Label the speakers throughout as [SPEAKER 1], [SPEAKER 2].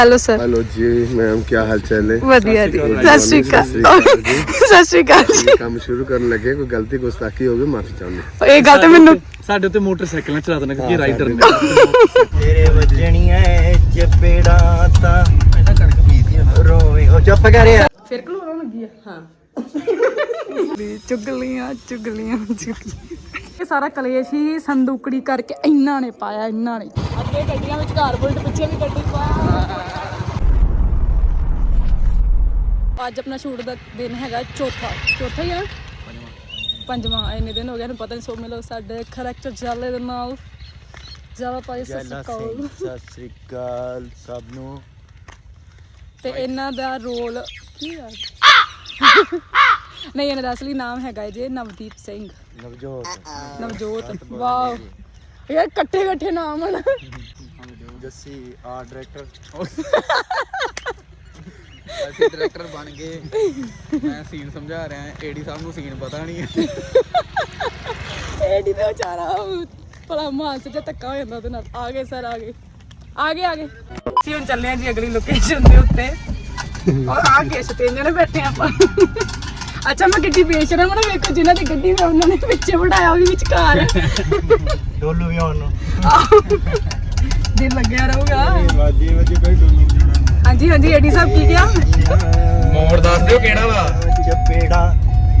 [SPEAKER 1] Hello sir.
[SPEAKER 2] Hello जी ma'am, क्या हाल चाल है?
[SPEAKER 1] वधिया जी। सत श्री अकाल। सत श्री अकाल जी।
[SPEAKER 2] काम शुरू करने लगे, कोई गलती गुस्ताखी हो गई माफी चाहूंगा।
[SPEAKER 1] ਇਹ ਗੱਲ ਤੇ ਮੈਨੂੰ
[SPEAKER 3] ਸਾਡੇ ਉੱਤੇ ਮੋਟਰਸਾਈਕਲਾਂ ਚਲਾ ਦੇਣਾ ਕਿਉਂਕਿ ਰਾਈਡਰ ਨੇ
[SPEAKER 4] ਤੇਰੇ ਵੱਜਣੀਆਂ ਚਪੇੜਾਂ ਤਾਂ ਪਹਿਲਾਂ ਕਣਕ ਪੀਤੀ ਨਾ ਰੋਵੇ ਉਹ ਚੁੱਪ ਕਰ ਯਾਰ
[SPEAKER 1] ਫਿਰ ਘਲੋਣ ਲੱਗੀ ਆ। ਹਾਂ ਚੁਗਲੀਆਂ ਚੁਗਲੀਆਂ ਚੁਗਲੀਆਂ। ਇਹ ਸਾਰਾ ਕਲੇਸ਼ ਹੀ ਸੰਦੂਕੜੀ ਕਰਕੇ ਇੰਨਾ ਨੇ ਪਾਇਆ, ਇੰਨਾ ਨੇ। ਅੱਗੇ ਗੱਡੀਆਂ ਵਿੱਚ ਘਰ ਬੁਲਟ, ਪਿੱਛੇ ਵੀ ਗੱਡੀ ਪਾਇਆ। ਅੱਜ ਆਪਣਾ ਸ਼ੂਟ ਦਾ ਦਿਨ ਹੈਗਾ ਚੌਥਾ ਹੀ ਆ, ਪੰਜਵਾਂ। ਇੰਨੇ ਦਿਨ ਹੋ ਗਏ ਨੂੰ ਪਤਾ ਨਹੀਂ। ਸੋ ਮਿਲੋ ਸਾਡੇ ਕਰੈਕਟਰ ਜਾਲੇ ਦੇ ਨਾਲ। ਜਾਵਾ ਪਾਈ ਸਤਿ
[SPEAKER 4] ਸ੍ਰੀ ਅਕਾਲ ਸਭ ਨੂੰ।
[SPEAKER 1] ਤੇ ਇਹਨਾਂ ਦਾ ਰੋਲ ਕੀ ਆ? ਨਹੀਂ, ਇਹਨਾਂ ਦਾ ਅਸਲੀ ਨਾਮ ਹੈਗਾ ਜੀ ਨਵਦੀਪ ਸਿੰਘ। ਨਵਜੋਤ। ਵਾਓ ਯਾਰ, ਇਕੱਠੇ ਨਾਮ ਹਨ।
[SPEAKER 4] Jassi art director.
[SPEAKER 3] ਅਸੀਂ ਡਾਇਰੈਕਟਰ ਬਣ ਗਏ। ਮੈਂ ਸੀਨ ਸਮਝਾ ਰਿਹਾ, ਏਡੀ ਸਾਹਿਬ ਨੂੰ ਸੀਨ ਪਤਾ ਨਹੀਂ ਹੈ।
[SPEAKER 1] ਏਡੀ ਦਾ ਵਿਚਾਰਾ ਭਲਾ ਮਾਨਸ ਜਿਹਾ ਧੱਕਾ ਹੋ ਜਾਂਦਾ ਉਹਦੇ ਨਾਲ। ਆ ਗਏ ਸਰ, ਆ ਗਏ। ਅਸੀਂ ਹੁਣ ਚੱਲੇ ਆ ਜੀ ਅਗਲੀ ਲੋਕੇਸ਼ਨ ਦੇ ਉੱਤੇ। ਔਰ ਆ ਕੇ ਤਿੰਨ ਜਣੇ ਬੈਠੇ ਆਪਾਂ। ਅੱਛਾ, ਮੈਂ ਗੱਡੀ ਵੇਚ ਰਿਹਾ। ਮੈਨੂੰ ਵੇਖੋ, ਜਿਨ੍ਹਾਂ ਦੀ ਗੱਡੀ ਮੈਂ ਉਹਨਾਂ ਨੇ ਪਿੱਛੇ ਬਿਠਾਇਆ, ਉਹ ਵੀ ਵਿਚਕਾਰ
[SPEAKER 4] ਡੋਲੂ ਵੀ ਆਉਣ ਨੂੰ
[SPEAKER 1] ਦਿਲ ਲੱਗਿਆ ਰਹੂਗਾ।
[SPEAKER 4] ਵਾਜੀ ਕੋਈ ਡੋਲੂ
[SPEAKER 1] ਹਾਂਜੀ ਹਾਂਜੀ, ਏਡੀ ਸਾਹਿਬ ਕੀ ਕਿਹਾ?
[SPEAKER 3] ਮੋੜ ਦੱਸ ਦਿਓ ਕਿਹੜਾ ਵਾ।
[SPEAKER 4] ਚਪੇੜਾਂ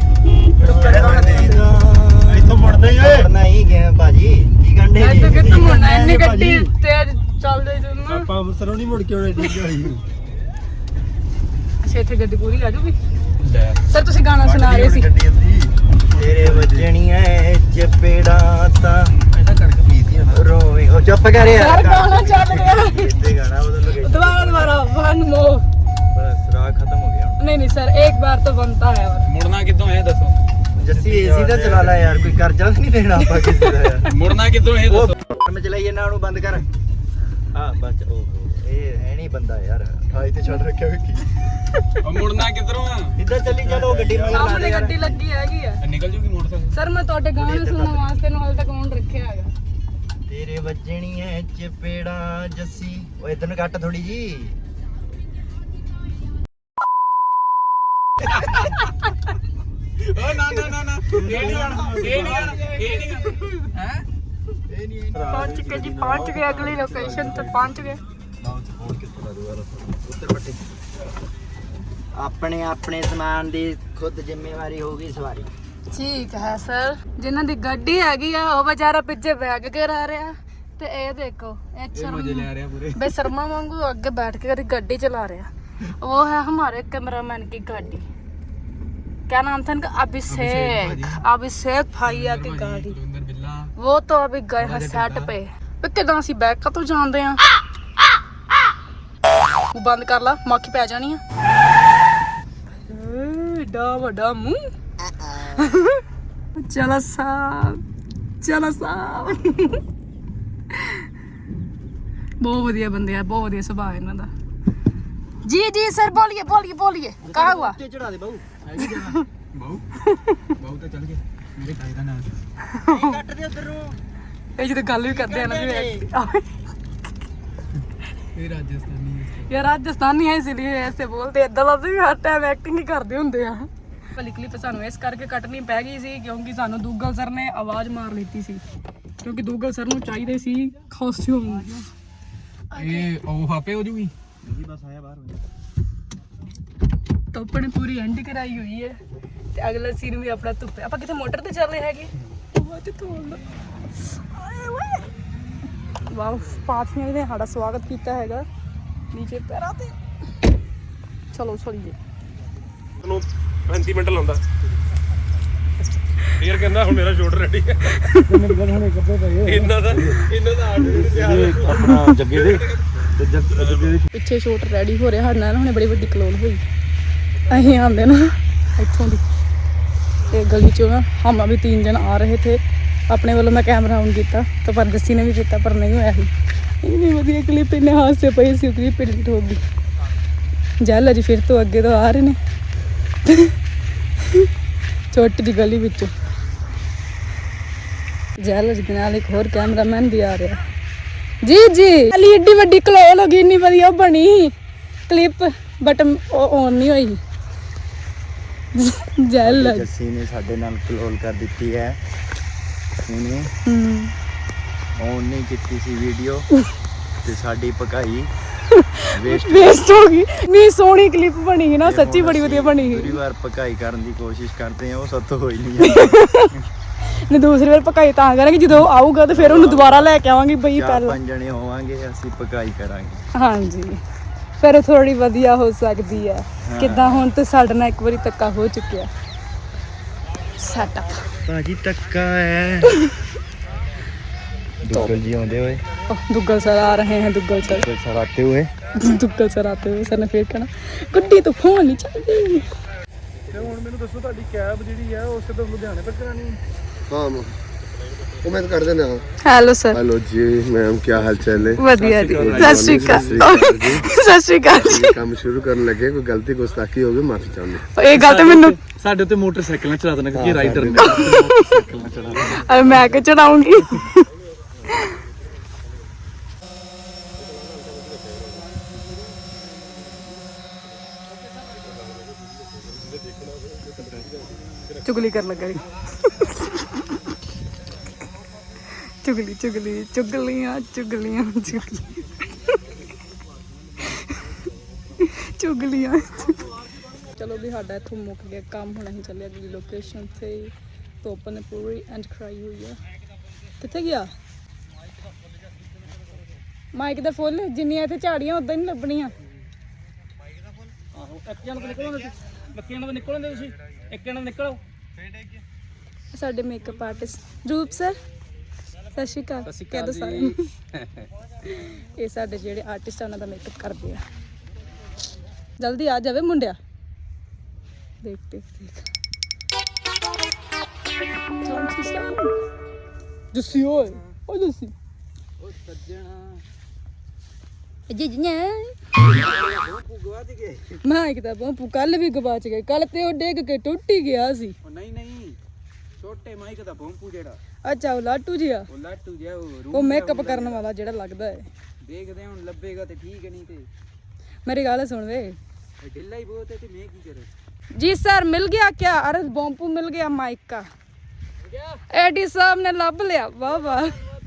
[SPEAKER 4] ਇੱਥੋਂ ਮੁੜਦਾ ਹੀ ਓਏ ਨਹੀਂ ਗਿਆ ਭਾਜੀ। ਕੀ ਗੰਡੇ
[SPEAKER 1] ਅੱਜ ਤੱਕ ਤਾਂ ਮੁੰਡਾ ਇੰਨੀ ਗੱਡੀ ਤੇਜ਼ ਚੱਲਦੇ ਜੁਨਾ।
[SPEAKER 4] ਆਪਾਂ ਅੰਮ੍ਰਿਤਸਰੋਂ ਨਹੀਂ ਮੁੜ ਕੇ ਆਉਣੇ ਠੀਕ ਹੋਈ।
[SPEAKER 1] ਅੱਛਾ, ਇੱਥੇ ਗੱਡੀ ਪੂਰੀ ਆ ਜੂਗੀ। ਸਰ ਤੁਸੀਂ ਗਾਣਾ ਸੁਣਾ ਰਹੇ ਸੀ।
[SPEAKER 4] ਤੇਰੇ ਵੱਜਣੀਆਂ ਚਪੇੜਾਂ ਤਾਂ ਪਹਿਲਾਂ ਕਣਕ ਪੀਤੀ ਨਾ ਰੋਵੇ ਉਹ ਚੁੱਪ ਕਰ ਯਾਰ।
[SPEAKER 1] ਸਰ ਗਾਣਾ ਚੱਲ ਰਿਹਾ।
[SPEAKER 4] ਇੱਥੇ ਗਾਣਾ ਬਦਲ ਲਗੇ
[SPEAKER 1] ਦੁਬਾਰਾ ਵਨ ਮੋਰ।
[SPEAKER 4] ਬਸ ਰਾਹ ਖਤਮ ਹੋ ਗਿਆ ਹੁਣ।
[SPEAKER 1] नहीं सर, एक बार तो बनता है। और
[SPEAKER 3] ਮੁੜਨਾ ਕਿੱਥੋਂ ਹੈ ਦੱਸੋ।
[SPEAKER 4] ਜੱਸੀ ਏਸੀ ਦਾ ਚਲਾ ਲੈ ਯਾਰ, ਕੋਈ ਕਰਜ਼ਾ ਨਹੀਂ ਦੇਣਾ ਆਪਾਂ ਕਿਸੇ ਦਾ ਯਾਰ।
[SPEAKER 3] ਮੁੜਨਾ ਕਿੱਥੋਂ ਹੈ
[SPEAKER 4] ਉਹ
[SPEAKER 3] ਦੱਸੋ।
[SPEAKER 4] ਮੈਂ ਚਲਾਈ ਇਹਨਾਂ ਨੂੰ ਬੰਦ ਕਰ। ਹਾਂ ਬਸ ਉਹ ਇਹ ਹੈ ਨਹੀਂ ਬੰਦਾ ਯਾਰ। ਠਾਈ ਤੇ ਛੱਡ ਰੱਖਿਆ ਵੇਖੀ।
[SPEAKER 3] ਉਹ ਮੁੜਨਾ ਕਿੱਧਰੋਂ ਆ?
[SPEAKER 4] ਇੱਧਰ ਚੱਲੀ ਚਲੋ ਗੱਡੀ ਮਗਰ ਲਾ ਦੇ
[SPEAKER 1] सामने
[SPEAKER 4] ਯਾਰ।
[SPEAKER 1] गड्डी लगी हैगी।
[SPEAKER 3] ਨਿਕਲ ਜੂਗੀ ਮੋਟਰਸਾਈਕਲ।
[SPEAKER 1] सर मैं ਤੁਹਾਡੇ ਗਾਣੇ ਸੁਣਨ ਵਾਸਤੇ ਨੂੰ ਹਾਲ ਤੱਕ ਔਨ ਰੱਖਿਆ ਹੈਗਾ।
[SPEAKER 4] ਤੇਰੇ ਵੱਜਣੀਆਂ ਚਪੇੜਾਂ ਜੱਸੀ। ਉਹ ਇਧਰ ਨੂੰ ਕੱਟ ਥੋੜੀ ਜੀ।
[SPEAKER 3] ਓ ਨਾ ਇਹ ਨਹੀਂ ਗਾਣਾ, ਇਹ ਨਹੀਂ ਗਾਣਾ, ਇਹ ਨਹੀਂ ਗਾਣਾ। ਹੈ
[SPEAKER 4] ਇਹ ਨਹੀਂ
[SPEAKER 1] पहुंच चुके जी, पहुंच गए अगली लोकेशन पे, पहुंच गए।
[SPEAKER 4] ਆਪਣੇ ਆਪਣੇ ਸਮਾਨ ਦੀ ਖੁਦ ਜ਼ਿੰਮੇਵਾਰੀ ਹੋਊਗੀ ਸਵਾਰੀ।
[SPEAKER 1] ਠੀਕ ਹੈ ਸਰ। ਜਿਨ੍ਹਾਂ ਦੀ ਗੱਡੀ ਹੈਗੀ ਆ ਉਹ ਵਿਚਾਰਾ ਪਿੱਛੇ ਬੈਗ ਕਰਾ ਰਿਹਾ। ਤੇ ਇਹ ਦੇਖੋ, ਇਹ
[SPEAKER 3] ਮਜ਼ੇ ਲੈ ਰਿਹਾ ਪੂਰੇ।
[SPEAKER 1] बेशर्मा वांगू आगे बैठ के गाड़ी चला रहा। वो है हमारे कैमरामैन की गाड़ी। क्या नाम था इनका? अभिषेक भैया की गाड़ी। वो तो अभी गए हैं सेट पे। किदा ਅਸੀਂ ਬੈਕ ਕਦੋਂ ਜਾਂਦੇ ਆ? ਉਹ ਬੰਦ ਕਰ ਲਾ, ਮੱਖੀ ਪੈ ਜਾਣੀ ਆ। ਏਡਾ ਵੱਡਾ ਮੂੰਹ। ਚਲਾ ਸਾਹਿਬ। बहुत बढ़िया बंदे हैं, बहुत बढ़िया स्वभाव है इन्हों दा। जी सर, बोलिए कहा हुआ?
[SPEAKER 4] ਚੜਾ ਦੇ ਬਾਊ।
[SPEAKER 3] ਬਾਉ ਤਾਂ ਚੱਲ ਗਏ ਮੇਰੇ ਕਾਇ ਦਾ ਨਾਮ।
[SPEAKER 4] ਕੱਟ ਦੇ ਉਧਰ ਨੂੰ।
[SPEAKER 1] ये जो गल भी करते हैं ना भी
[SPEAKER 3] ਇਹ ਰਾਜਸਥਾਨੀ ਹੈ।
[SPEAKER 1] यार राजस्थानी है इसलिए ऐसे बोलते हैं। दल भी हर टाइम एक्टिंग ही करते होंगे आ। वाली क्लिप सानू इस करके कटनी पै गई सी क्योंकि सानू दूगल सर ने आवाज मार लीती सी, क्योंकि दूगल सर नू चाहिए सी कॉस्ट्यूम।
[SPEAKER 3] ਇਹ ਉਹ ਆਪੇ ਹੋ ਜੂਗੀ।
[SPEAKER 4] ਜੀ ਬਸ ਆਇਆ ਬਾਹਰ ਹੋ ਜਾ।
[SPEAKER 1] तो अपने पूरी एंड कराई हुई है। ते अगला सीन भी अपना धुप्पे। आप कितने मोटर ते चल रहे हैगे। वाह, पाथियां ने साड़ा स्वागत किया हैगा नीचे पैरां ते। चलो चलिए।
[SPEAKER 5] ਨੂੰ 35 ਮਿੰਟ ਲਾਉਂਦਾ ਫੇਰ ਕਹਿੰਦਾ ਹੁਣ ਮੇਰਾ ਸ਼ੂਟ ਰੈਡੀ ਹੈ। ਇਹਨਾਂ ਦਾ ਆਰਡਰ ਤਿਆਰ ਹੈ।
[SPEAKER 4] ਆਪਣਾ ਜੱਗੇ ਦੇ ਤੇ ਜੱਗੇ ਦੇ
[SPEAKER 1] ਪਿੱਛੇ ਸ਼ੂਟ ਰੈਡੀ ਹੋ ਰਿਹਾ। ਸਾਡੇ ਨਾਲ ਹੁਣੇ ਬੜੀ ਵੱਡੀ ਕਲੋਨ ਹੋਈ। ਅਸੀਂ ਆਂਦੇ ਨਾ ਇੱਥੋਂ ਦੀ ਤੇ ਗਲੀ ਚੋਂ ਨਾ ਹਮਾਂ ਵੀ 3 ਜਣ ਆ ਰਹੇ थे। अपने वालों मैं कैमरा ऑन किया तो पर जस्सी ने भी किया पर नहीं होया ही। इतनी वधिया क्लिप इन्हें हाथ से पई सी क्लिप एडिट हो गई। जल अजी फिर तो अगे तो आ रहे ने छोटी जी गली विचों। जल अजी के नाल एक होर कैमरामैन भी आ रहा। ਜੀ ਜੀ ਅਲੀ ਏਡੀ ਵੱਡੀ ਕਲੋਲ ਹੋ ਗਈ, ਇੰਨੀ ਵਧੀਆ ਬਣੀ ਕਲਿੱਪ, ਬਟ ਉਹ ਔਨ ਨਹੀਂ ਹੋਈ। ਜੈਲ
[SPEAKER 4] ਜੱਸੀ ਨੇ ਸਾਡੇ ਨਾਲ ਕਲੋਲ ਕਰ ਦਿੱਤੀ ਹੈ, ਉਹਨੇ ਔਨ ਨਹੀਂ ਕੀਤੀ ਸੀ ਵੀਡੀਓ ਤੇ ਸਾਡੀ ਪਕਾਈ
[SPEAKER 1] ਵੇਸਟ ਹੋ ਗਈ। ਨਹੀਂ ਸੋਹਣੀ ਕਲਿੱਪ ਬਣੀ ਸੀ ਨਾ, ਸੱਚੀ ਬੜੀ ਵਧੀਆ ਬਣੀ ਸੀ।
[SPEAKER 4] ਦੂਰੀ ਵਾਰ ਪਕਾਈ ਕਰਨ ਦੀ ਕੋਸ਼ਿਸ਼ ਕਰਦੇ ਆ, ਉਹ ਸੱਤ ਹੋਈ ਨਹੀਂ
[SPEAKER 1] ਨੇ ਦੂਸਰੀ ਵਾਰ ਪਕਾਈ ਤਾਂ ਕਰਾਂਗੇ ਜਦੋਂ ਆਊਗਾ ਤੇ ਫਿਰ ਉਹਨੂੰ ਦੁਬਾਰਾ ਲੈ ਕੇ ਆਵਾਂਗੇ ਬਈ
[SPEAKER 4] ਚਾਰ
[SPEAKER 1] ਪਹਿਲਾਂ।
[SPEAKER 4] 5 ਜਣੇ ਹੋਵਾਂਗੇ, ਅਸੀਂ ਪਕਾਈ ਕਰਾਂਗੇ।
[SPEAKER 1] ਹਾਂਜੀ ਫਿਰ ਥੋੜੀ ਵਧੀਆ ਹੋ ਸਕਦੀ ਹੈ। ਕਿੱਦਾਂ ਹੁਣ ਤੇ ਸਾਡੇ ਨਾਲ ਇੱਕ ਵਾਰੀ ਧੱਕਾ ਹੋ ਚੁੱਕਿਆ। ਸੈਟਅਪ
[SPEAKER 4] ਭਾਜੀ ਟੱਕਾ ਹੈ। दुग्गल जी आते हुए,
[SPEAKER 1] दुग्गल सर आ रहे हैं, दुग्गल सर
[SPEAKER 4] सर आते हुए,
[SPEAKER 1] दुग्गल सर आते हुए। सर ने फिर कहना गुड्डी तो फोन नहीं चलती।
[SPEAKER 5] ਤੇ ਹੁਣ ਮੈਨੂੰ ਦੱਸੋ ਤੁਹਾਡੀ ਕੈਬ ਜਿਹੜੀ ਹੈ ਉਸ ਤੋਂ ਲੁਧਿਆਣੇ ਤੱਕ ਕਰਾਣੀ ਹੈ?
[SPEAKER 2] हाँ वो मैं तो कर देना।
[SPEAKER 1] Hello sir.
[SPEAKER 2] हेलो जी मैम, क्या हाल चाल है?
[SPEAKER 1] ਵਧੀਆ ਜੀ। ਸਤਿ ਸ਼੍ਰੀ ਅਕਾਲ। ਸਤਿ ਸ਼੍ਰੀ ਅਕਾਲ ਜੀ।
[SPEAKER 2] ये काम शुरू करने लगे, कोई गलती गुस्ताखी होगी माफी चाहूंगा।
[SPEAKER 1] ਇਹ ਗੱਲ ਤੇ ਮੈਨੂੰ
[SPEAKER 5] ਸਾਡੇ ਉੱਤੇ ਮੋਟਰਸਾਈਕਲ ਨਾਲ ਚਲਾ ਦੇਣਾ ਕਿਉਂਕਿ ਰਾਈਡਰ ਨੇ ਮੋਟਰਸਾਈਕਲ ਨਾਲ ਚਲਾ
[SPEAKER 1] ਮੈਂ ਕਿ ਚੜਾਉਂਗੀ। चुगली कर लगा चुगली चुगली चुगलियां चुगलियां चुगली चुगलियां। चलो भी साडा इथों मुक गया काम, हुण असीं चले अगली लोकेशन ते। धुप्प ने पूरी एंड कराई हुई है। कित्थे गया माइक दा फुल? जिन्नियां इत्थे झाड़ियां उदां नहीं लभणियां।
[SPEAKER 5] ਆਹੋ ਇੱਕ ਜਣ ਤੋਂ ਨਿਕਲੋ ਬੱਕੀਆਂ ਨਾਲ ਨਿਕਲੋ ਤੁਸੀਂ, ਇੱਕ ਜਣ ਨਿਕਲੋ।
[SPEAKER 1] ਸਾਡੇ ਮੇਕਅਪ ਆਰਟਿਸਟ ਰੂਪ ਸਰ, ਸਤਿ ਸ਼੍ਰੀ ਅਕਾਲ। ਕਹਿ ਦੋ ਸਾਰਿਆਂ ਨੂੰ। ਇਹ ਸਾਡੇ ਜਿਹੜੇ ਆਰਟਿਸਟ ਆ ਉਹਨਾਂ ਦਾ ਮੇਕਅਪ ਕਰਦੇ ਆ। ਜਲਦੀ ਆ ਜਾਵੇ ਮੁੰਡਿਆ। ਦੇਖ ਦੇਖ ਦੇਖ ਜੱਸੀ ਓਏ, ਓ ਜੱਸੀ
[SPEAKER 3] ਓ ਸੱਜਣਾ
[SPEAKER 1] ਜੀ ਜੀ
[SPEAKER 3] ਗਵਾ ਦੇ ਗਏ।
[SPEAKER 1] ਮਾਈਕ ਦਾ ਬੰਪੂ ਕੱਲ ਵੀ ਗਵਾਚ ਗਏ। ਕੱਲ ਤੇ ਉਹ ਡਿੱਗ ਕੇ ਟੁੱਟ ਹੀ ਗਿਆ ਸੀ।
[SPEAKER 3] ਉਹ ਨਹੀਂ ਛੋਟੇ ਮਾਈਕ ਦਾ ਬੰਪੂ ਜਿਹੜਾ,
[SPEAKER 1] ਅੱਛਾ ਉਹ ਲਾਟੂ ਜੀ ਆ,
[SPEAKER 3] ਉਹ ਲਾਟੂ ਜਿਹਾ,
[SPEAKER 1] ਉਹ ਮੇਕਅਪ ਕਰਨ ਵਾਲਾ ਜਿਹੜਾ ਲੱਗਦਾ ਹੈ।
[SPEAKER 3] ਦੇਖਦੇ ਹੁਣ ਲੱਭੇਗਾ ਤੇ ਠੀਕ, ਨਹੀਂ ਤੇ
[SPEAKER 1] ਮੇਰੀ ਗੱਲ ਸੁਣ ਵੇ।
[SPEAKER 3] ਇਹ ਢਿੱਲਾ ਹੀ ਬਹੁਤ ਹੈ ਤੇ ਮੈਂ ਕੀ ਕਰਾਂ।
[SPEAKER 1] जी सर मिल गया क्या? अरे बॉम्पू मिल गया माइक का। एडी साहब ने लब लिया। वाह वाह,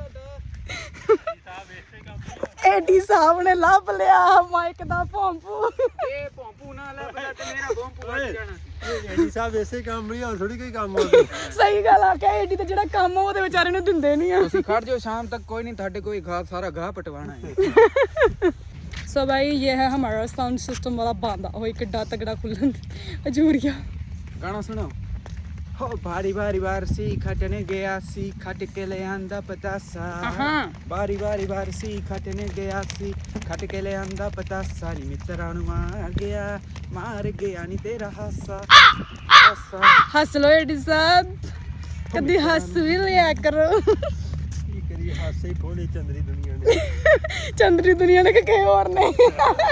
[SPEAKER 1] एडी साहब ने लब लिया माइक दा बॉम्पू।
[SPEAKER 3] ਇਹ ਬੰਪੂ ਨਾ ਲੱਭਦਾ ਤੇ ਮੇਰਾ ਬੰਪੂ ਵੱਜ ਜਾਣਾ।
[SPEAKER 5] ਐਡੀ ਸਾਹਿਬ ਐਸੇ ਕੰਮ ਨਹੀਂ ਹੋਰ ਥੋੜੀ ਕੋਈ ਕੰਮ ਹੋ ਗਿਆ।
[SPEAKER 1] सही गल आ क्या? एडी ते जेड़ा काम ओदे बेचारे नु दिंदे नहीं आ।
[SPEAKER 3] ਤੁਸੀਂ ਖੜ ਜਾਓ शाम तक, कोई नहीं ਤੁਹਾਡੇ ਕੋਈ घास सारा घाह पटवाना है।
[SPEAKER 1] सो भाई ये है हमारा साउंड सिस्टम वाला बांधा हो किड्डा तगड़ा खुलन अजूरिया।
[SPEAKER 3] गाना सुनो। हो बारी बारी बार सी खटने गया सी खट के ले आंदा पतासा। बारी बारी बार सी खटने गया सी खट के ले आंदा पतासा। नी मित्रा नु मार गया नी तेरा हासा।
[SPEAKER 1] हंस लो एडी साहब, कदी हंस भी लिया करो।
[SPEAKER 5] ਕੀ ਕਰੀ ਹਾਸੇ ਹੀ ਫੋੜੇ ਚੰਦਰੀ ਦੁਨੀਆ ਨੇ।
[SPEAKER 1] चंद्री दुनिया ने कहे और नहीं।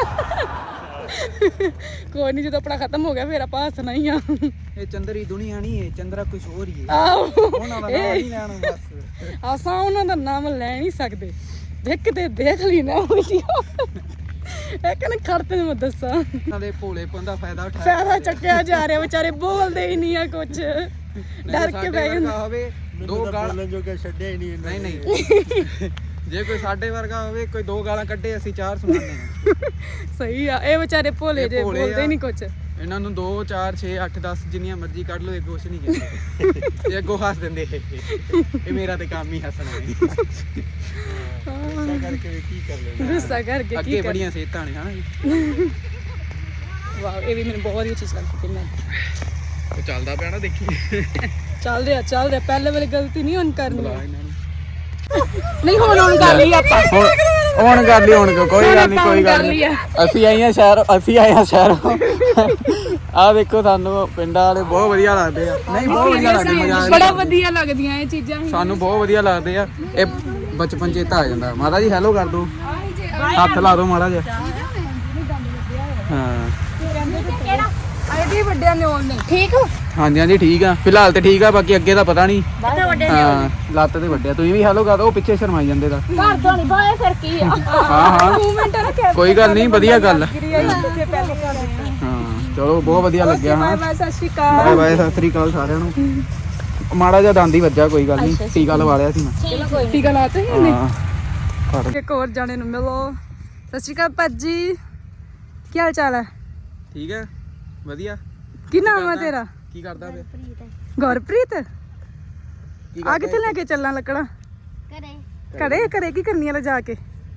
[SPEAKER 1] कोई नहीं, जो अपना खत्म हो गया फिर आप हंसना ही आ।
[SPEAKER 3] ये चंद्री दुनिया नहीं है, चंद्रा कुछ और ही है।
[SPEAKER 1] ਆਹੋ
[SPEAKER 3] ਉਹਨਾਂ ਦਾ ਨਾਮ ਨਹੀਂ ਲੈਣਾ ਬਸ।
[SPEAKER 1] ਅਸਾਂ ਉਹਨਾਂ ਦਾ ਨਾਮ ਲੈ ਨਹੀਂ ਸਕਦੇ। ਦੇਖ ਤੇ ਦੇਖ ਲਈ ਨਾ ਵੀਡੀਓ। ਇਹ ਕਹਿੰਦੇ ਖੜਤੇ ਨੇ ਮੈਂ ਦੱਸਾਂ।
[SPEAKER 3] ਉਹਨਾਂ ਦੇ ਭੋਲੇਪਨ ਦਾ ਫਾਇਦਾ ਉਠਾਇਆ।
[SPEAKER 1] ਫਾਇਦਾ ਚੱਕਿਆ ਜਾ ਰਿਹਾ, ਵਿਚਾਰੇ ਬੋਲਦੇ ਹੀ ਨਹੀਂ ਆ ਕੁਝ। ਡਰ ਕੇ ਬਹਿ ਜਾਂਦੇ।
[SPEAKER 3] ਹੋਵੇ ਦੋ ਗਾਲਾਂ
[SPEAKER 5] ਬੋਲਣ ਜੋਗਾ ਛੱਡਿਆ ਹੀ ਨਹੀਂ।
[SPEAKER 3] ਨਹੀਂ ਜੇ ਕੋਈ ਸਾਡੇ ਵਰਗਾ ਹੋਵੇ, ਕੋਈ ਦੋ ਗਾਲਾਂ ਕੱਢੇ, ਅਸੀਂ ਚਾਰ ਸੁਣਾਉਂਦੇ ਹਾਂ।
[SPEAKER 1] ਸਹੀ ਆ, ਇਹ ਵਿਚਾਰੇ ਭੋਲੇ ਜੇ ਬੋਲਦੇ ਨਹੀਂ ਕੁਝ।
[SPEAKER 3] ਇਹਨਾਂ ਨੂੰ 2 4 6 8 10 ਜਿੰਨੀਆਂ ਮਰਜ਼ੀ ਕੱਢ ਲਓ, ਇਹ ਕੁਛ ਨਹੀਂ ਕਹਿੰਦੇ। ਇਹ ਅੱਗੋਂ ਹੱਸ ਦਿੰਦੇ। ਇਹ ਮੇਰਾ ਤੇ ਕੰਮ ਹੀ ਹੱਸਣਾ ਹੈ।
[SPEAKER 5] ਗੁੱਸਾ ਕਰਕੇ ਵੀ ਕੀ ਕਰ ਲੈਣਾ।
[SPEAKER 1] ਗੁੱਸਾ ਕਰਕੇ ਕੀ
[SPEAKER 3] ਅੱਗੇ
[SPEAKER 1] ਕਰ।
[SPEAKER 3] ਬੜੀਆਂ ਸਿਹਤਾਂ ਨੇ ਹਨਾ ਜੀ।
[SPEAKER 1] ਵਾਹ, ਇਹ ਵੀ ਮੈਨੂੰ ਬਹੁਤ ਵਧੀਆ ਚੀਜ਼ ਲੱਗਦੀ ਕਿ ਮੈਂ
[SPEAKER 3] ਉਹ ਚੱਲਦਾ ਪਿਆ ਨਾ, ਦੇਖੀ।
[SPEAKER 1] ਚੱਲ ਰਿਹਾ। ਪਹਿਲੇ ਵਾਲੀ ਗਲਤੀ ਨਹੀਂ ਹੁਣ ਕਰਨੀ।
[SPEAKER 3] ਬੁਲਾ ਇਹਨਾਂ ਨੂੰ।
[SPEAKER 1] ਨਹੀਂ ਹੁਣ ਕਰ ਲਈ ਆਪਾਂ।
[SPEAKER 3] ਹੁਣ ਕਰ ਲਈ, ਹੁਣ ਕੋਈ ਗੱਲ ਨਹੀਂ, ਕੋਈ ਗੱਲ ਨਹੀਂ। ਅਸੀਂ ਆਏ ਆ ਸ਼ਹਿਰ। ਆਹ ਦੇਖੋ, ਸਾਨੂੰ ਪਿੰਡਾਂ ਵਾਲੇ ਬਹੁਤ ਵਧੀਆ ਲੱਗਦੇ ਆ। ਨਹੀਂ ਬਹੁਤ ਵਧੀਆ ਲੱਗਦੇ, ਮਜ਼ਾ
[SPEAKER 1] ਬੜਾ ਵਧੀਆ ਲੱਗਦੀਆਂ ਇਹ ਚੀਜ਼ਾਂ।
[SPEAKER 3] ਸਾਨੂੰ ਬਹੁਤ ਵਧੀਆ ਲੱਗਦੇ ਆ। ਇਹ ਬਚਪਨ ਚੇਤਾ ਆ ਜਾਂਦਾ। ਮਾਤਾ ਜੀ ਹੈਲੋ ਕਰ ਦੋ, ਹੱਥ ਲਾ ਦੋ ਮਾੜਾ ਜਿਹਾ। ਹਾਂ
[SPEAKER 1] ਆਈਡੀ ਵੱਡਿਆਂ ਨੇ ਆਉਣ ਨਹੀਂ। ਠੀਕ ਹੋ?
[SPEAKER 3] ਹਾਂਜੀ ਹਾਂਜੀ ਠੀਕ ਆ, ਫਿਲਹਾਲ ਤੇ ਠੀਕ ਆ, ਬਾਕੀ ਅੱਗੇ ਦਾ ਪਤਾ ਨਹੀਂ। ਹਾਂ ਲੱਤ ਤੇ ਵੱਡਿਆ। ਤੁਸੀਂ ਵੀ ਹੈਲੋ ਕਰ ਦੋ, ਉਹ ਪਿੱਛੇ ਸ਼ਰਮਾਈ ਜਾਂਦੇ ਦਾ।
[SPEAKER 1] ਘਰ ਤੋਂ ਨਹੀਂ ਬਾਏ ਫਿਰ ਕੀ ਆ।
[SPEAKER 3] ਹਾਂ ਹਾਂ
[SPEAKER 1] ਮੂਵਮੈਂਟ ਰੱਖਿਆ
[SPEAKER 3] ਕੋਈ ਗੱਲ ਨਹੀਂ, ਵਧੀਆ ਗੱਲ ਆ।
[SPEAKER 1] ਹਾਂ
[SPEAKER 3] ਹਾਂ ਚਲੋ ਬਹੁਤ ਵਧੀਆ ਲੱਗਿਆ। ਹਾਂ
[SPEAKER 1] ਬਾਏ ਸਤਿ ਸ਼੍ਰੀ ਅਕਾਲ।
[SPEAKER 3] ਬਾਏ ਬਾਏ, ਸਤਿ ਸ੍ਰੀ ਅਕਾਲ ਸਾਰਿਆਂ ਨੂੰ। ਮਾੜਾ ਜਿਹਾ ਦੰਦ ਹੀ ਵੱਜਾ, ਕੋਈ ਗੱਲ ਨਹੀਂ, ਟੀਕਾ ਲਵਾ ਲਿਆ ਸੀ ਮੈਂ।
[SPEAKER 1] ਟੀਕਾ ਲਾਤਾ ਸੀ ਇਹਨੇ।
[SPEAKER 3] ਹਾਂ ਫੜ।
[SPEAKER 1] ਇੱਕ ਹੋਰ ਜਾਣੇ ਨੂੰ ਮਿਲੋ। ਸਤਿ ਸ਼੍ਰੀ ਅਕਾਲ ਭਾਜੀ, ਕੀ ਹਾਲ ਚਾਲ ਹੈ?
[SPEAKER 3] ਠੀਕ ਹੈ ਵਧੀਆ।
[SPEAKER 1] ਕੀ ਨਾਮ ਹੈ ਤੇਰਾ?
[SPEAKER 3] ਕੀ ਕਰਦਾ ਵੇ?
[SPEAKER 1] ਗੁਰਪ੍ਰੀਤ। ਆ ਕਿੱਥੇ ਲੈ ਕੇ ਚੱਲਾਂ ਲੱਕੜਾਂ? ਘਰੇ ਘਰੇ ਕੀ ਕਰਨੀਆਂ ਲੈ ਜਾ ਕੇ?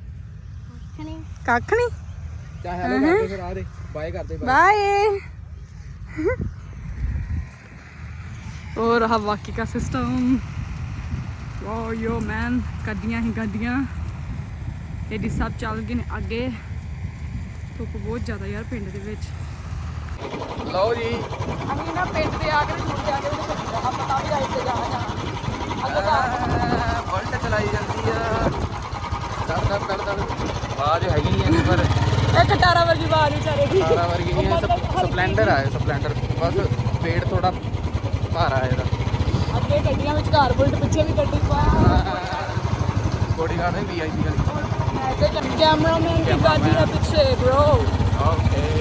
[SPEAKER 1] ਕੱਖ ਨਹੀਂ।
[SPEAKER 3] ਚਾ ਹੈਲੋ ਕਰਦੇ ਫਿਰ, ਆ ਦੇ ਬਾਏ ਕਰਦੇ।
[SPEAKER 1] बाय। और रहा बाकी का सिस्टम। वाओ यो मैन, गड्डियां ही गड्डियां। एडी सब चल गए ने आगे। धुप बहुत ज़्यादा यार पिंड दे विच।
[SPEAKER 3] ਲਓ ਜੀ
[SPEAKER 1] ਅਸੀਂ ਨਾ ਪਿੰਡ ਦੇ ਆ ਕੇ ਛੁੱਟ ਜਾ ਕੇ ਆ ਪਤਾ ਵੀ ਆਈ ਤੇ ਜਾਣਾ
[SPEAKER 3] ਉਲਟ ਚਲਾਈ ਜਾਂਦੀ ਆ। ਦੜ ਆਵਾਜ਼ ਹੈਗੀ ਨਹੀਂ ਹੈ ਪਰ
[SPEAKER 1] ਇੱਕ ਟਾਰਾ ਵਰਗੀ ਆਵਾਜ਼ ਵਿਚਾਰੇ ਦੀ।
[SPEAKER 3] ਸਾਰਾ ਵਰਗੀ ਨਹੀਂ ਹੈ। ਸਪਲੈਂਡਰ ਆ, ਸਪਲੈਂਡਰ ਬਸ ਪੇੜ ਥੋੜਾ ਭਾਰਾ ਹੈ ਇਹਦਾ।
[SPEAKER 1] ਅੱਗੇ ਗੱਡੀਆਂ ਵਿੱਚ ਕਾਰ ਬੁਲਟ, ਪਿੱਛੇ ਵੀ ਗੱਡੀ ਪਾ।
[SPEAKER 3] ਬੋਡੀ ਗਾਰਡ ਹੈ ਵੀਆਈਪੀ ਵਾਲੀ।
[SPEAKER 1] ਤੇ ਕੈਮਰਾਮੈਨ ਦੀ ਗੱਡੀ ਹੈ ਪਿੱਛੇ ਬ్రో।
[SPEAKER 3] ਓਕੇ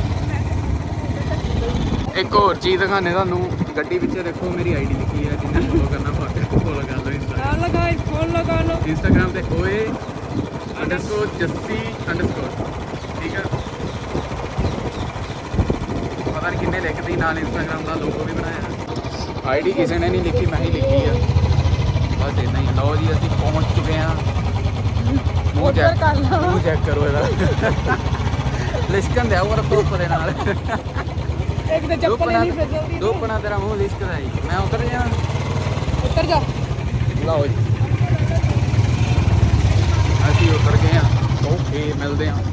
[SPEAKER 3] ਇੱਕ ਹੋਰ ਚੀਜ਼ ਦਿਖਾਣੇ ਤੁਹਾਨੂੰ। ਗੱਡੀ ਪਿੱਛੇ ਦੇਖੋ ਮੇਰੀ ਆਈਡੀ ਲਿਖੀ ਹੈ, ਜਿਹਨੇ ਫੋਲੋ ਕਰਨਾ ਫੋਲੋ ਕਰ ਲਓ।
[SPEAKER 1] ਲਗਾ ਲਓ
[SPEAKER 3] ਇੰਸਟਾਗ੍ਰਾਮ ਤੇ ਓਏ _ਜੱਸੀ_ ਠੀਕ ਹੈ। ਪਤਾ ਨਹੀਂ ਕਿੰਨੇ ਲਿਖਦੀ, ਨਾਲ ਇੰਸਟਾਗ੍ਰਾਮ ਦਾ ਲੋਗੋ ਵੀ ਬਣਾਇਆ। ਆਈਡੀ ਕਿਸੇ ਨੇ ਨਹੀਂ ਲਿਖੀ, ਮੈਂ ਹੀ ਲਿਖੀ ਆ ਬਸ ਇਦਾਂ ਹੀ। ਲਓ ਜੀ ਅਸੀਂ ਪਹੁੰਚ ਚੁੱਕੇ ਹਾਂ। ਮੂੰਹ ਚੈੱਕ ਕਰੋ ਇਹਦਾ। ਲਿਸ਼ਕਣ ਦਿਆ ਉਹ ਧੁੱਪ ਦੇ ਨਾਲ।
[SPEAKER 1] ਇੱਕ ਤਾਂ ਚੱਪਲ ਨਹੀਂ ਫਿਸਲਦੀ।
[SPEAKER 3] ਧੁੱਪਣਾ ਤੇਰਾ ਮੂੰਹ ਲਿਸ਼ਕਦਾ ਜੀ। ਮੈਂ ਉਤਰ ਜਾ।
[SPEAKER 1] ਉੱਤਰ ਜਾ।
[SPEAKER 3] ਲਓ ਜੀ ਅਸੀਂ ਉਤਰ ਗਏ ਹਾਂ। ਓਕੇ ਮਿਲਦੇ ਹਾਂ।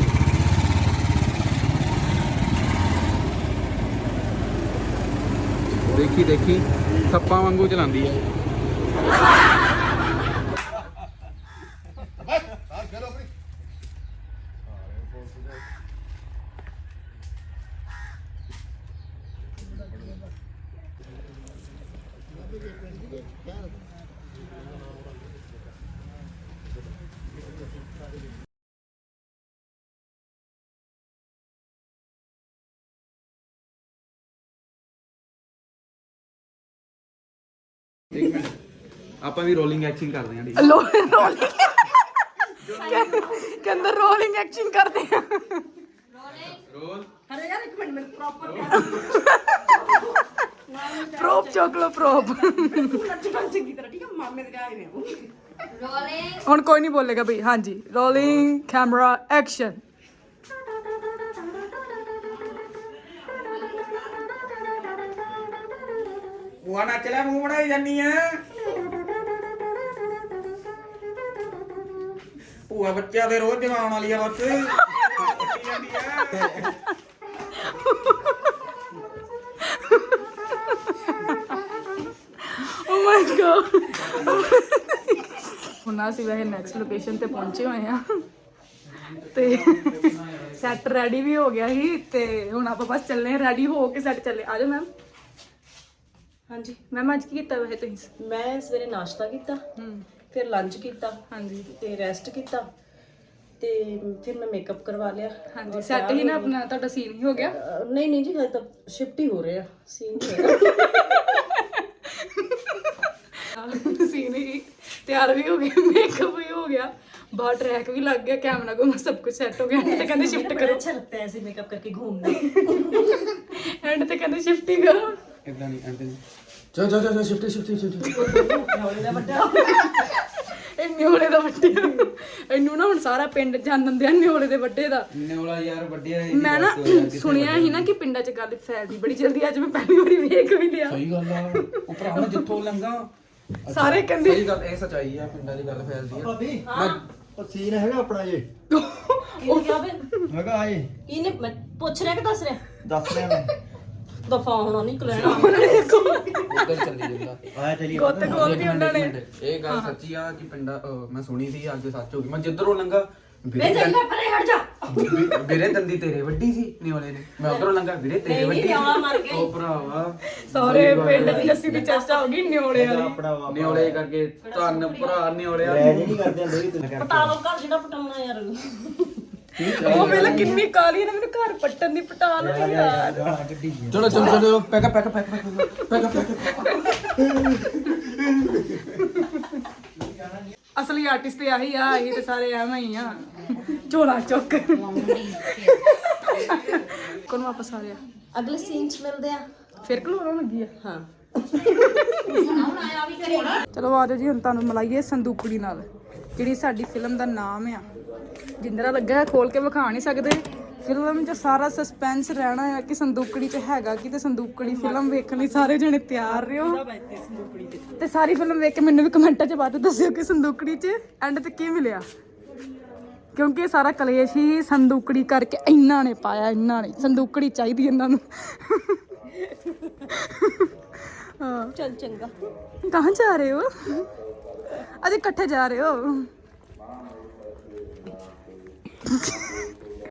[SPEAKER 3] ਦੇਖੀ ਦੇਖੀ ਸੱਪਾਂ ਵਾਂਗੂ ਚਲਾਉਂਦੀ ਹੈ। ਇੱਕ ਮਿੰਟ, ਆਪਾਂ ਵੀ ਰੋਲਿੰਗ ਐਕਸ਼ਨ ਕਰਦੇ ਹਾਂ।
[SPEAKER 1] ਕਹਿੰਦਾ ਰੋਲਿੰਗ ਐਕਸ਼ਨ ਕਰਦੇ ਆ।
[SPEAKER 3] ਰੋਲ
[SPEAKER 1] ਅਰੇ ਯਾਰ ਇੱਕ ਮਿੰਟ ਮੈਨੂੰ ਪ੍ਰੋਪ ਚੋਕ ਲੋ ਪ੍ਰੋਪ। ਚੰਗੀ ਤਰ੍ਹਾਂ ਠੀਕ ਹੈ, ਮਾਮੇ ਦੇ ਗਾਏ ਨੇ ਰੋਲਿੰਗ। ਹੁਣ ਕੋਈ ਨਹੀਂ ਬੋਲੇਗਾ ਬਈ। ਹਾਂਜੀ ਰੋਲਿੰਗ ਕੈਮਰਾ ਐਕਸ਼ਨ।
[SPEAKER 3] ਭੂਆ ਨੱਚ ਲੈ, ਮੂੰਹ ਬਣਾਈ ਜਾਨੀ ਆ। ਭੂਆ ਬੱਚਿਆਂ ਦੇ ਰੋਜ਼ ਜਵਾਉਣ ਵਾਲੀ ਆ ਬਸ।
[SPEAKER 1] ਓ ਮਾਈ ਗॉड। ਹੁਣ ਅਸੀਂ ਵੈਸੇ ਨੈਕਸਟ ਲੋਕੇਸ਼ਨ ਤੇ ਪਹੁੰਚੇ ਹੋਏ ਆ ਤੇ ਸੈੱਟ ਰੈਡੀ ਵੀ ਹੋ ਗਿਆ ਸੀ ਤੇ ਹੁਣ ਆਪਾਂ ਬਸ ਚੱਲੇ ਆ। ਰੈਡੀ ਹੋ ਕੇ ਸੈੱਟ ਚੱਲੇ। ਆ ਜਾਓ ਮੈਮ। ਹਾਂਜੀ ਮੈਮ ਅੱਜ ਕੀ ਕੀਤਾ ਵੈਸੇ ਤੁਸੀਂ?
[SPEAKER 6] ਮੈਂ ਸਵੇਰੇ ਨਾਸ਼ਤਾ ਕੀਤਾ, ਫਿਰ ਲੰਚ ਕੀਤਾ,
[SPEAKER 1] ਹਾਂਜੀ
[SPEAKER 6] ਤੇ ਰੈਸਟ ਕੀਤਾ, ਤੇ ਫਿਰ ਮੈਂ ਮੇਕਅਪ ਕਰਵਾ ਲਿਆ।
[SPEAKER 1] ਹਾਂਜੀ ਸੈੱਟ ਹੀ ਨਾ ਆਪਣਾ ਤੁਹਾਡਾ ਸੀਨ ਹੀ ਹੋ ਗਿਆ।
[SPEAKER 6] ਨਹੀਂ ਨਹੀਂ ਜੀ, ਹਜੇ ਤਾਂ ਸ਼ਿਫਟ ਹੀ ਹੋ ਰਿਹਾ, ਸੀਨ ਨਹੀਂ ਹੋਇਆ।
[SPEAKER 1] ਸੀਨ ਹੀ ਤਿਆਰ ਵੀ ਹੋ ਗਿਆ, ਮੇਕਅਪ ਵੀ ਹੋ ਗਿਆ, ਬਾਹਰ ਟਰੈਕ ਵੀ ਲੱਗ ਗਿਆ, ਕੈਮਰਾ ਕੋਲ सब कुछ सेट हो गया। एंड ते कहंदे शिफ्ट करो।
[SPEAKER 6] अच्छा लगता है ऐसे मेकअप करके घूमना।
[SPEAKER 1] एंड ते कहंदे शिफ्ट ही करो।
[SPEAKER 3] ਇਦਾਂ ਨਹੀਂ ਐਂਦੇ ਚਲ ਸ਼ਿਫਟ
[SPEAKER 1] ਇਹ ਨਿਓਲੇ ਦਾ ਵੱਡੇ ਇਹਨੂੰ ਨਾ ਹੁਣ ਸਾਰਾ ਪਿੰਡ ਜਾਣਨ ਦਿਆ ਨਿਓਲੇ ਦੇ ਵੱਡੇ ਦਾ।
[SPEAKER 3] ਨਿਓਲਾ ਯਾਰ ਵੱਡਿਆ ਹੈ।
[SPEAKER 1] ਮੈਂ ਨਾ ਸੁਣਿਆ ਸੀ ਨਾ ਕਿ ਪਿੰਡਾਂ 'ਚ ਗੱਲ ਫੈਲਦੀ ਬੜੀ ਜਲਦੀ। ਅੱਜ ਮੈਂ ਪਹਿਲੀ ਵਾਰੀ ਵੇਖ ਵੀ ਲਿਆ।
[SPEAKER 3] ਸਹੀ ਗੱਲ ਆ। ਉਹ ਭਰਾਵਾ ਜਿੱਥੋਂ ਲੰਗਾ
[SPEAKER 1] ਸਾਰੇ ਕਹਿੰਦੇ
[SPEAKER 3] ਸਹੀ ਗੱਲ, ਇਹ ਸੱਚਾਈ ਆ। ਪਿੰਡਾਂ ਦੀ ਗੱਲ ਫੈਲਦੀ ਆ।
[SPEAKER 4] ਭਾਬੀ ਉਹ ਸੀਨ ਹੈਗਾ ਆਪਣਾ ਜੇ
[SPEAKER 6] ਇਹ ਕਿਹਾ ਵੇ
[SPEAKER 4] ਹੈਗਾ ਆਏ
[SPEAKER 6] ਇਹਨੇ ਮੈਂ ਪੁੱਛ ਰਿਹਾ ਕਿ ਦੱਸ ਰਿਹਾ?
[SPEAKER 4] ਦੱਸ ਰਿਹਾ ਮੈਂ
[SPEAKER 6] ਦਫਾ ਹੋਣਾ ਨਹੀਂ ਲੈਣਾ।
[SPEAKER 3] ਉੱਧਰ ਚੱਲੀ ਜਾਂਦਾ।
[SPEAKER 4] ਆਇਆ ਚਲੀ
[SPEAKER 1] ਗੁੱਤ ਖੋਲਦੀ ਉਹਨਾਂ ਨੇ।
[SPEAKER 3] ਇਹ ਗੱਲ ਸੱਚੀ ਆ ਕਿ ਪਿੰਡਾਂ ਮੈਂ ਸੁਣੀ ਸੀ, ਅੱਜ ਸੱਚ ਹੋ ਗਈ। ਮੈਂ ਜਿੱਧਰੋਂ ਲੰਗਾ
[SPEAKER 6] ਵੇ ਜੰਗਾ ਪਰੇ ਹਟ ਜਾ
[SPEAKER 3] ਵੀਰੇ ਦੰਦੀ ਤੇਰੇ ਵੱਡੀ ਸੀ ਨਿਓਲੇ ਨੇ ਮੈਂ ਉਧਰੋਂ ਲੰਘਾ ਵੀਰੇ ਤੇਰੇ ਵੱਡੀ
[SPEAKER 6] ਨਿਓਲਾ ਮਰ ਗਈ।
[SPEAKER 3] ਉਹ ਭਰਾਵਾ
[SPEAKER 1] ਸਾਰੇ ਪਿੰਡ 'ਚ ਜੱਸੀ ਦੀ ਚਰਚਾ ਹੋ ਗਈ ਨਿਓਲੇ ਵਾਲੀ।
[SPEAKER 4] ਆਪਣਾ ਵਾ
[SPEAKER 3] ਨਿਓਲੇ ਕਰਕੇ ਧੰਨ ਭਰਾ ਨਿਓਲਿਆ
[SPEAKER 4] ਰਹਿ ਨਹੀਂ ਕਰਦੇ ਹੁੰਦੇ ਕਿ ਤੁਸੀਂ
[SPEAKER 6] ਪਟਾ ਲੋ ਘਰ ਜਿਹੜਾ ਪਟਾਉਣਾ ਯਾਰ
[SPEAKER 1] ਉਹ ਵੇਲੇ ਕਿੰਨੀ ਕਾਲੀ ਨੇ ਮੈਨੂੰ ਘਰ ਪੱਟਣ ਦੀ ਪਟਾ ਲਓ ਯਾਰ।
[SPEAKER 3] ਚਲੋ ਚਲੋ ਚਲੋ ਪੈਕ ਪੈਕ ਪੈਕ ਪੈਕ
[SPEAKER 1] ਅਸਲੀ ਆਰਟਿਸਟ ਤੇ ਆਹੀ ਆ, ਇਹ ਤੇ ਸਾਰੇ ਐਵੇਂ ਹੀ ਆ ਝੋਲਾ ਚੁੱਕ। ਕੋਣ ਵਾਪਸ ਆ ਰਿਹਾ?
[SPEAKER 6] ਅਗਲੇ ਸੀਨ 'ਚ ਮਿਲਦੇ ਆ।
[SPEAKER 1] ਫਿਰ ਕਲੋਰਾਂ ਲੱਗੀ ਆ।
[SPEAKER 6] ਹਾਂ
[SPEAKER 1] ਚਲੋ ਆ ਜਾਓ ਜੀ, ਹੁਣ ਤੁਹਾਨੂੰ ਮਿਲਾਈਏ ਸੰਦੂਕੜੀ ਨਾਲ, ਜਿਹੜੀ ਸਾਡੀ ਫਿਲਮ ਦਾ ਨਾਮ ਆ। ਜਿੰਦਰਾ ਲੱਗਾ ਹੈ, ਖੋਲ ਕੇ ਵਿਖਾ ਨਹੀਂ ਸਕਦੇ। ਫਿਲਮ 'ਚ ਸਾਰਾ ਸਸਪੈਂਸ ਰਹਿਣਾ ਹੈ ਕਿ ਸੰਦੂਕੜੀ 'ਚ ਹੈਗਾ ਕੀ, ਤੇ ਸੰਦੂਕੜੀ ਫਿਲਮ ਵੇਖਣ ਲਈ ਸਾਰੇ ਜਣੇ ਤਿਆਰ ਰਹੋ। ਤੇ ਸਾਰੀ ਫਿਲਮ ਵੇਖ ਕੇ ਮੈਨੂੰ ਵੀ ਕਮੈਂਟਾਂ 'ਚ ਬਾਅਦ ਦੱਸਿਓ ਕਿ ਸੰਦੂਕੜੀ 'ਚ ਐਂਡ ਤੇ ਕੀ ਮਿਲਿਆ, ਕਿਉਂਕਿ ਇਹ ਸਾਰਾ ਕਲੇਸ਼ ਹੀ ਸੰਦੂਕੜੀ ਕਰਕੇ ਇਹਨਾਂ ਨੇ ਪਾਇਆ। ਇਹਨਾਂ ਨੇ ਸੰਦੂਕੜੀ ਚਾਹੀਦੀ ਇਹਨਾਂ ਨੂੰ। ਹਾਂ
[SPEAKER 6] ਚੱਲ ਚੰਗਾ।
[SPEAKER 1] ਕਹਾਂ ਜਾ ਰਹੇ ਹੋ? ਅਜੇ ਇਕੱਠੇ ਜਾ ਰਹੇ ਹੋ?